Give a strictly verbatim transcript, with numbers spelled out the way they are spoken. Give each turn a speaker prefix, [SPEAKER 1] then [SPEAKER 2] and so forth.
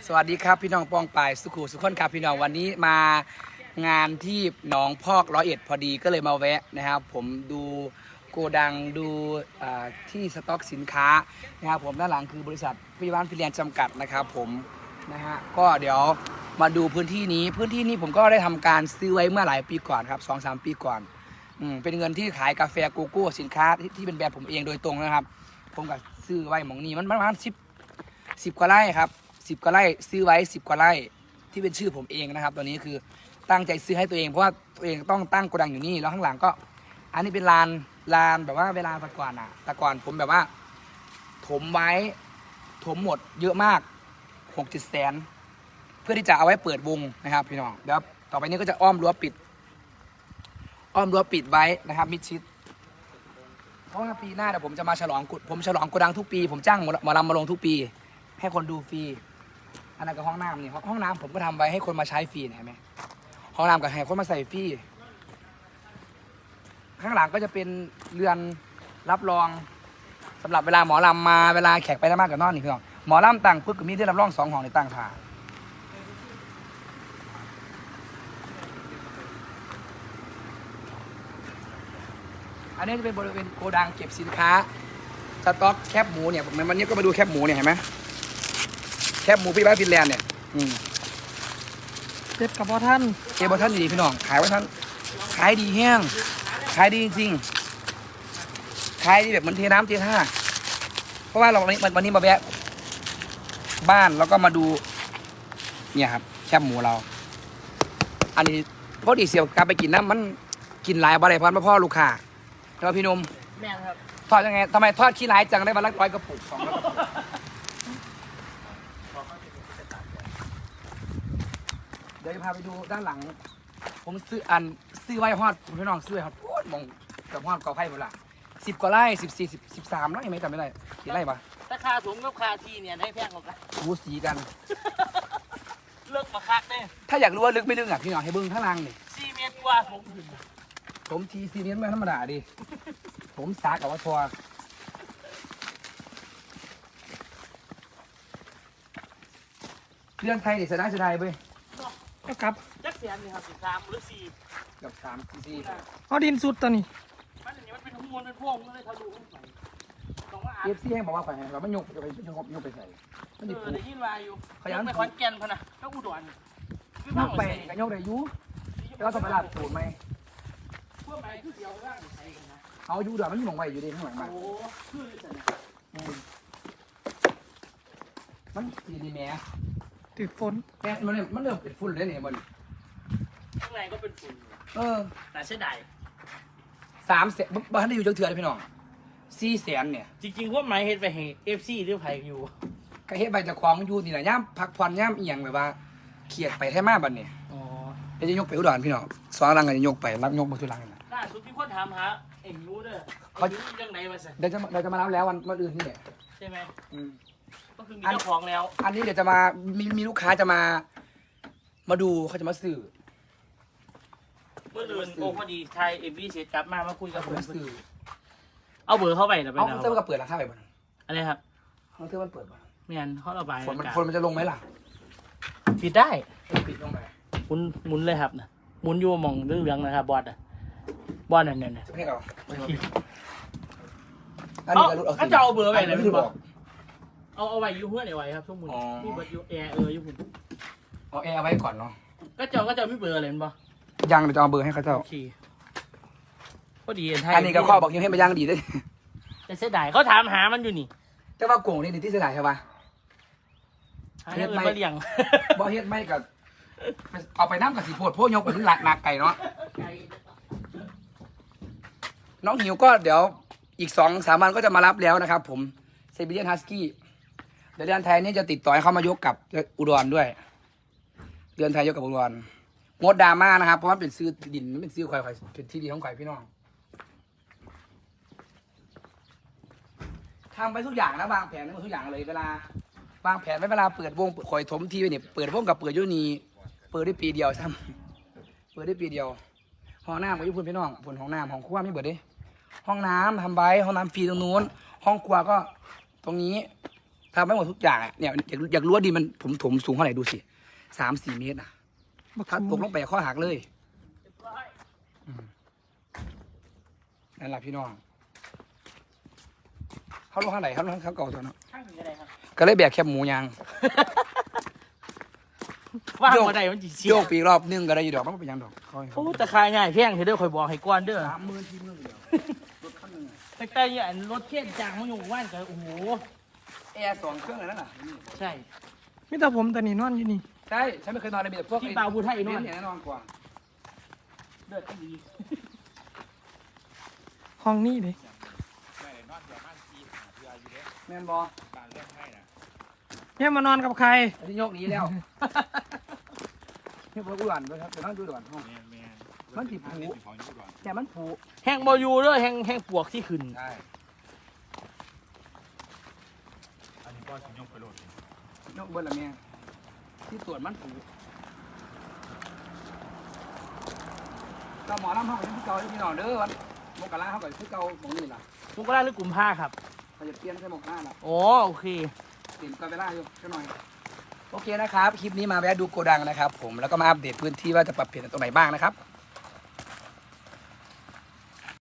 [SPEAKER 1] สวัสดีครับพี่น้องปองปายสุขุสุขคนครับพี่น้องวันนี้มางานที่หนองพอกร้อยเอ็ดพอดีก็เลยมาแวะนะครับผมดูโกดังดูที่สต็อกสินค้านะครับผมด้านหลังคือบริษัทพิวานฟิเลียนจำกัดนะครับผมนะฮะก็เดี๋ยวมาดูพื้นที่นี้พื้นที่นี้ผมก็ได้ทำการซื้อไว้เมื่อหลายปีก่อนครับสองสามปีก่อนอืมเป็นเงินที่ขายกาแฟโกโก้สินค้าที่ที่เป็นแบรนด์ผมเองโดยตรงนะครับผมก็ซื้อไว้หมองนี้มันประมาณสิบสิบกว่าไร่ครับสิบกว่าไร่ซื้อไว้สิบกว่าไร่ที่เป็นชื่อผมเองนะครับตอนนี้คือตั้งใจซื้อให้ตัวเองเพราะว่าตัวเองต้องตั้งโกดังอยู่นี่แล้วข้างหลังก็อันนี้เป็นลานลานแบบว่าเวลาแต่ก่อนอ่ะแต่ก่อนผมแบบว่าถมไว้ถมหมดเยอะมากหกเจ็ดแสนเพื่อที่จะเอาไว้เปิดวงนะครับพี่น้องเดี๋ยวต่อไปนี้ก็จะอ้อมรั้วปิดอ้อมรั้วปิดไว้นะครับมิดชิดเพราะว่าปีหน้าเดี๋ยวผมจะมาฉลองผมฉลองโกดังทุกปีผมจ้างหมอลำมาลงทุกปีให้คนดูฟรีอันนั้นก็ห้องน้ำนี่ห้องน้ำผมก็ทำไว้ให้คนมาใช้ฟรีเห็นไหมห้องน้ำกับให้คนมาใส่ฟรีข้างหลังก็จะเป็นเรือนรับรองสำหรับเวลาหมอลำมาเวลาแขกไปได้มากกับนอนนี่พี่น้องหมอลำต่างปึ๊กก็มีที่รับรองสองห้องในต่างผ่าอันนี้จะเป็นบริเวณโกดังเก็บสินค้าสต็อกแคบหมูเนี่ยผมวันนี้ก็มาดูแคบหมูเนี่ยเห็นไหมแคบหมูพี่บ้านฟินแลนด์เนี่ย
[SPEAKER 2] เจ็บกับพ่อท่าน
[SPEAKER 1] เจ็บบ่ท่านดีพี่น้องขายว่าท่านขายดีแห้งขายดีจริงขายดีแบบเหมือนเทน้ำเทท่าเพราะว่าเราวันนี้วันนี้มาแวะบ้านแล้วก็มาดูเนี่ยครับแคบหมูเราอันนี้พอดีเสียวกลับไปกินนะมันกินหลายบะไรพันพ่อลูกค้าแล้วพี่นุ่ม
[SPEAKER 2] แม่ครับ
[SPEAKER 1] ทอดยังไงทำไมทอดขี้ร้ายจังได้วันละร้อยกระปุกสองร้อยกระปุกเดี๋ยวพาไปดูด้านหลังผมซื้ออันซื้อไว้ฮอดพี่น้องซื้อไว้ฮอดโอ้ยมองกับฮอดกอไผ่หมดละสิบกว่าไร่สิบสี่สิบสิบสามไร่ไหมจำไม่ได้กี่ไร่ปะ
[SPEAKER 2] ถ้าคาถุงกับคาทีเนี่ยได้แพงกว่ากัน
[SPEAKER 1] วูสีกัน
[SPEAKER 2] เลิกมาคักเนี่ย
[SPEAKER 1] ถ้าอยากรู้ว่าลึกไม่ลึกอ่ะพี่น้องให้เบิ้งข้างล่างนี่
[SPEAKER 2] สี่เมตรกว่าผม
[SPEAKER 1] ผมทีซีเมตรไม่ธรรมดาดิผมสากับว่าทัวเรื่องไทยเด็กเสียดายเสียดายเว้ย
[SPEAKER 2] ก็ครับจักเสียนเลยครับสิบสามหรือสี่
[SPEAKER 1] กับสามสี่
[SPEAKER 2] เอาดินสุดตอนนี้มันอย่างนี้มันเป็นหุ้มมันเป็นพวงมันเลยทะลุขึ้นไปตรงว่า
[SPEAKER 1] เอฟซีให้บอกว่าไปเราไม่ยกจะไปยกยกไปใส่
[SPEAKER 2] เออได้ยินวาอยู่ขยันไปขอนแก่นพนะก็อุดร
[SPEAKER 1] ยกไปกันยกได้ยุแล้วต้องไปลาดตูดไหม
[SPEAKER 2] พวกไหนคือเดียวร่างใส่กันนะ
[SPEAKER 1] เอาอยู่เดี๋ยวมันมีหมองไว้อยู่ดีข้างหลังบ้าน
[SPEAKER 2] โอ้คือ
[SPEAKER 1] มันสีดีแม่
[SPEAKER 2] ติดฝน
[SPEAKER 1] แกมันเนี่ยมันเริ่มเป็นฝุ่นเลยเนี่ยมัน
[SPEAKER 2] ข้างในก็เป็นฝุ่น
[SPEAKER 1] เออ
[SPEAKER 2] แต่เสียดาย
[SPEAKER 1] สามแสนบ้านได้อยู่จังเถื่อนพี่น้องสี่แสนเนี่ย
[SPEAKER 2] จริงๆพวกไม้เฮ็ดไปให้เอฟซีหรือไผ่อยู่
[SPEAKER 1] ก็เฮ็ดใบจะคล้องอยู่นี่แหละย่ำพักผ่อนย่ำเอียงแบบว่าเขียดไปแท้มากบัดเนี่ย
[SPEAKER 2] อ๋อ
[SPEAKER 1] เดี๋ยวจะยกไปอุดรพี่น้องสองรังกันจะยกไปรับยกมาทุลังนะ
[SPEAKER 2] ล่าสุดพี่คนถามหาเอ็งรู้เด้อเขาเรื่องไหนมาสิ
[SPEAKER 1] เดี๋ยวจะเดี๋ยวจะมารับแล้ววันวันอื่นนี่แหละ
[SPEAKER 2] ใช่ไหม
[SPEAKER 1] อืม
[SPEAKER 2] ก็คือมีเจ้าของแล้ว
[SPEAKER 1] อันนี้เดี๋ยวจะมามีมีลูกค้าจะมามาดูเขาจะมาซื้อ
[SPEAKER 2] เมื่อเดือนโอ้พอดีไทยเอ็มวีเสร็จกลับมามาคุยกับผม
[SPEAKER 1] ซื้อ
[SPEAKER 2] เอาเบอร์เข้าไปนะไป
[SPEAKER 1] เอาเสื้อมันก็เปิดราคาไปบ้าง
[SPEAKER 2] อะไรครับ
[SPEAKER 1] เอาเสื้อมันเปิดบ้าง
[SPEAKER 2] ไม่งั้นเขาระบาย
[SPEAKER 1] ฝนมันคนมันจะลงไหมล่ะ
[SPEAKER 2] ปิดได้
[SPEAKER 1] ปิดลงไป
[SPEAKER 2] หมุนหมุนเลยครับนะหมุนอยู่มองเรื่องเรื่องนะครับบอสอ่ะบอสนั่นนั่น
[SPEAKER 1] จะให้เรา
[SPEAKER 2] อันนี้ก็จะเอาเบอร์ไปเลยพี่บอกเอาเอาไว้ยูเพื่อนไว้ครับช่วงมุนนี่เบอร์ยูแอร์เออยูหุ่น
[SPEAKER 1] เอาแอร์ไว้ก่อนเนาะ
[SPEAKER 2] ก็เจ้าก็เจ้าไม่เบอร์อะไรมั้ย
[SPEAKER 1] ยังเราจะเอาเบอร์ให้เขาเจ้า
[SPEAKER 2] ก็ดี
[SPEAKER 1] อันนี้ก็ข้อบอกยังให้มันย่างดีด้วย
[SPEAKER 2] แต่เสียดายเขาถามหามันอยู่นี่
[SPEAKER 1] แต่ว่าโก่งนี่นี่ที่เสียดายใช่ปะ
[SPEAKER 2] เฮ็ดไม่เลี้ยง
[SPEAKER 1] บ่เฮ็ดไม่กับเอาไปน้ำกับสีโพดโพยกไปถึงหลักหนักไก่เนาะน้องหิวก็เดี๋ยวอีกสองสามวันก็จะมารับแล้วนะครับผมเซบิเลียนฮัสกี้เดี๋ยวเดือนไทยนี่จะติดต่อให้เขามายกกับอุดรด้วยเดือนไทยยกกับอุดรงดดราม่านะครับเพราะว่าเป็นซื้อดินเป็นซื้อควายควายเป็นที่ดีของควายพี่น้องทำไปทุกอย่างนะวางแผนทุกอย่างเลยเวลาวางแผนไว้เวลาเปิดวงคอยถมทีไปเนี่ยเปิดวงกับเปิดยุนีเปิดได้ปีเดียวซ้ำเปิดได้ปีเดียวห้องน้ำกับยุพนพี่น้องผลห้องน้ำห้องครัวไม่เปิดดิห้องน้ำทำใบห้องน้ำฟรีตรงนู้นห้องครัวก็ตรงนี้ทำไม่หมดทุกอย่างอ่ะเนี่ยอยากอยากรู้ว่าดินมันผมถมสูงเท่าไหร่ดูสิสามสี่เมตรอ่ะถ้าตกลงไปข้อหักเลยอืมนั่นแหละพี่น้องเขาลงข้างไหนเขาลงข้างเก่าตัวเนาะ
[SPEAKER 2] ข้างหนึ่งก็ได้ครับ
[SPEAKER 1] ก็เลยแบกแคบหมูยาง
[SPEAKER 2] ว่างมาได้มันจีเสีย
[SPEAKER 1] โยกปีกรอบนึงก็ได้อยู่ดอกมันเป็นหยังดอกค่อย
[SPEAKER 2] โอ้ตะคายง่ายแพงเธอเด้อคอยบอกให้ก้อนเด้อ
[SPEAKER 1] สามหมื่นที่เมืองเดียวรถคันหนึงอะ
[SPEAKER 2] แต่แต่เนี่ยรถเทียนจางมันอยู่ว่านกันโอ้โห
[SPEAKER 1] แอร์สองเครื่องเลยนั่นน่ะ
[SPEAKER 2] ใช่
[SPEAKER 3] มิแต่ผมแต่นี่นอนอยู่นี่
[SPEAKER 1] ใช่ฉันไม่เคยนอนในมีแต่พวก
[SPEAKER 2] ที่เบาบูไทย
[SPEAKER 1] ไอ้
[SPEAKER 2] นอน
[SPEAKER 1] เนี่ยแน่นอนกว่า
[SPEAKER 2] เลือดก็ดี
[SPEAKER 3] ห้องนี่เลย
[SPEAKER 1] แม่นบอ
[SPEAKER 3] เนี่ยมานอนกับใคร
[SPEAKER 1] อันนี้โยกหนี้แล้วนี่พวกอุดรด้วยครับเดี๋ยวนั่งดูด่วนห้องมันติดผูเนี่ยมันผู
[SPEAKER 2] แห้งบอยูเด้อแห้งแห้งปวกที่ขึ้น
[SPEAKER 1] ใช่
[SPEAKER 4] อันนี้ก็ชิ้นยกไปโหลด
[SPEAKER 1] ยกเบิ้ลละเมียที่ตรวจมันผูก็หมอน้ำห้องกับที่เก่าที่พี่น้องเด้อวันมกราเขากับที่เก่าของนี่ล่ะ
[SPEAKER 2] มุกราหรือกลุ่มผ้าครับ
[SPEAKER 1] เขาจะเปลี่ยนใส่หมกหน้าล่ะ
[SPEAKER 2] อ๋อโอเค
[SPEAKER 1] เปลี่ยนกันเวลาอยู่แค่หน่อยโอเคนะครับคลิปนี้มาแวะดูโกดังนะครับ ผมแล้วก็มาอัปเดตพื้นที่ว่าจะปรับเปลี่ยนตรงไหนบ้างนะครับ